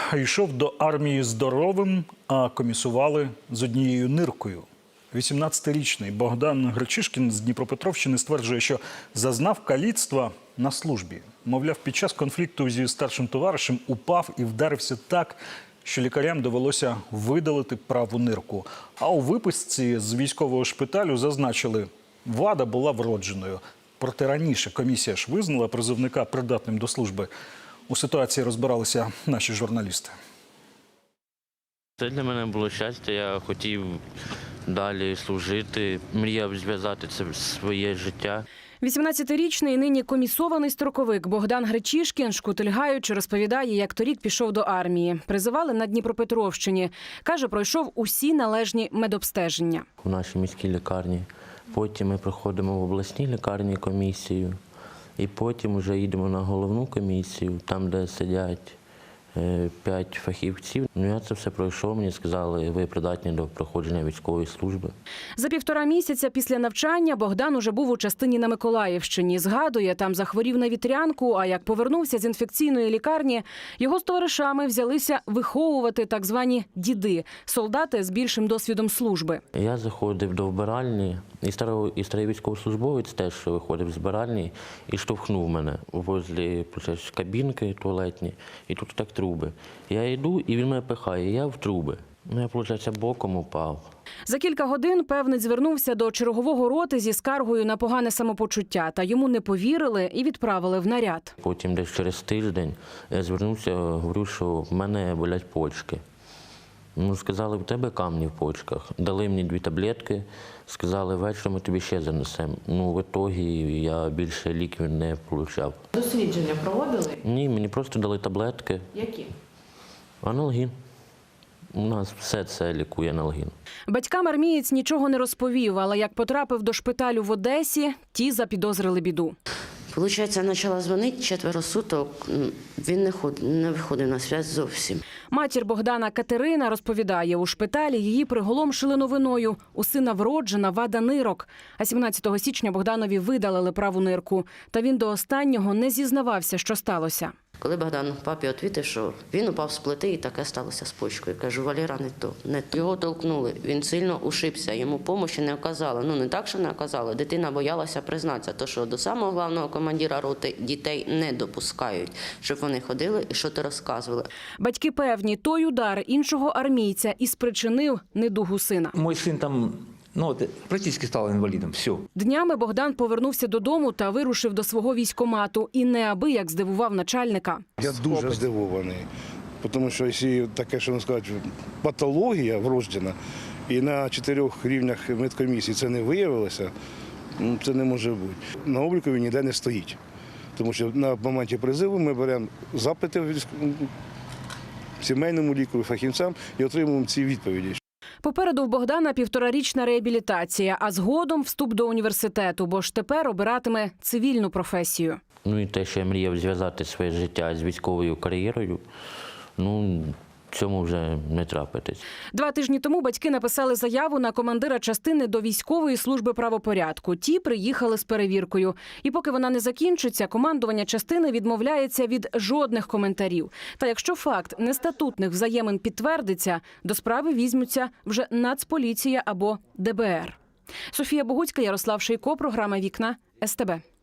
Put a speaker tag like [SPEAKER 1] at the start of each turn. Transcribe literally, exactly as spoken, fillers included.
[SPEAKER 1] йшов до армії здоровим, а комісували з однією ниркою. вісімнадцятирічний Богдан Гречишкін з Дніпропетровщини стверджує, що зазнав каліцтва на службі. Мовляв, під час конфлікту зі старшим товаришем упав і вдарився так, що лікарям довелося видалити праву нирку. А у виписці з військового шпиталю зазначили, вада була вродженою. Проте раніше комісія ж визнала призовника придатним до служби. У ситуації розбиралися наші журналісти.
[SPEAKER 2] Це для мене було щастя, я хотів далі служити, мріяв зв'язати це своє життя.
[SPEAKER 3] вісімнадцятирічний нині комісований строковик Богдан Гречишкін, шкутильгаючи, розповідає, як торік пішов до армії. Призивали на Дніпропетровщині. Каже, пройшов усі належні медобстеження.
[SPEAKER 2] У нашій міській лікарні. Потім ми проходимо в обласній лікарні комісію. І потім вже їдемо на головну комісію, там, де сидять п'ять фахівців. Ну, я це все пройшов, мені сказали, ви придатні до проходження військової служби.
[SPEAKER 3] За півтора місяця після навчання Богдан уже був у частині на Миколаївщині. Згадує, там захворів на вітрянку, а як повернувся з інфекційної лікарні, його з товаришами взялися виховувати так звані діди – солдати з більшим досвідом служби.
[SPEAKER 2] Я заходив до вбиральні, і старий, і старий військовослужбовець теж виходив з вбиральні і штовхнув мене возле кабінки туалетні, і тут так труби. Я йду, і він мене пихає, я в труби. Ну, я, виходить, боком упав.
[SPEAKER 3] За кілька годин певниць звернувся до чергового роти зі скаргою на погане самопочуття. Та йому не повірили і відправили в наряд.
[SPEAKER 2] Потім десь через тиждень я звернувся, говорю, що в мене болять почки. Ну, сказали, в тебе камні в почках. Дали мені дві таблетки, сказали, ввечері ми тобі ще занесемо. Ну, в ітогі я більше ліків не отримав.
[SPEAKER 4] Дослідження проводили?
[SPEAKER 2] Ні, мені просто дали таблетки.
[SPEAKER 4] Які?
[SPEAKER 2] Аналгін. У нас все це лікує аналгін.
[SPEAKER 3] Батькам армієць нічого не розповів, але як потрапив до шпиталю в Одесі, ті запідозрили біду.
[SPEAKER 5] Получається, я почала дзвонити четверо суток, він не, ход, не виходив на зв'язок зовсім.
[SPEAKER 3] Матір Богдана Катерина розповідає, у шпиталі її приголомшили новиною. У сина вроджена вада нирок. А сімнадцятого січня Богданові видалили праву нирку. Та він до останнього не зізнавався, що сталося.
[SPEAKER 5] Коли Богдан папі відповів, що він упав з плити і таке сталося з почкою. Кажу, Валера, не то. Не то. Його толкнули, він сильно ушибся, йому допомоги не оказали. Ну, не так, що не оказали, дитина боялася признатися, то що до самого головного командира роти дітей не допускають, щоб вони ходили і що-то розказували.
[SPEAKER 3] Батьки певні, той удар іншого армійця і спричинив недугу сина.
[SPEAKER 6] Мой син там, ну, от, практично став інвалідом, все.
[SPEAKER 3] Днями Богдан повернувся додому та вирушив до свого військкомату. І неабияк здивував начальника.
[SPEAKER 7] Я дуже здивований, тому що якщо таке, що сказати, патологія вроджена, і на чотирьох рівнях медкомісії це не виявилося, це не може бути. На обліку він ніде не стоїть, тому що на моменті призиву ми беремо запити в сімейному лікарю, фахівцям і отримуємо ці відповіді.
[SPEAKER 3] Попереду в Богдана півторарічна реабілітація, а згодом вступ до університету, бо ж тепер обиратиме цивільну професію.
[SPEAKER 2] Ну і те, що я мріяв зв'язати своє життя з військовою кар'єрою, ну, цьому вже не трапитись.
[SPEAKER 3] Два тижні тому батьки написали заяву на командира частини до військової служби правопорядку. Ті приїхали з перевіркою. І поки вона не закінчиться, командування частини відмовляється від жодних коментарів. Та якщо факт нестатутних взаємин підтвердиться, до справи візьмуться вже Нацполіція або Де Бе Ер. Софія Богуцька, Ярослав Шийко, програма «Вікна», Ес Те Бе.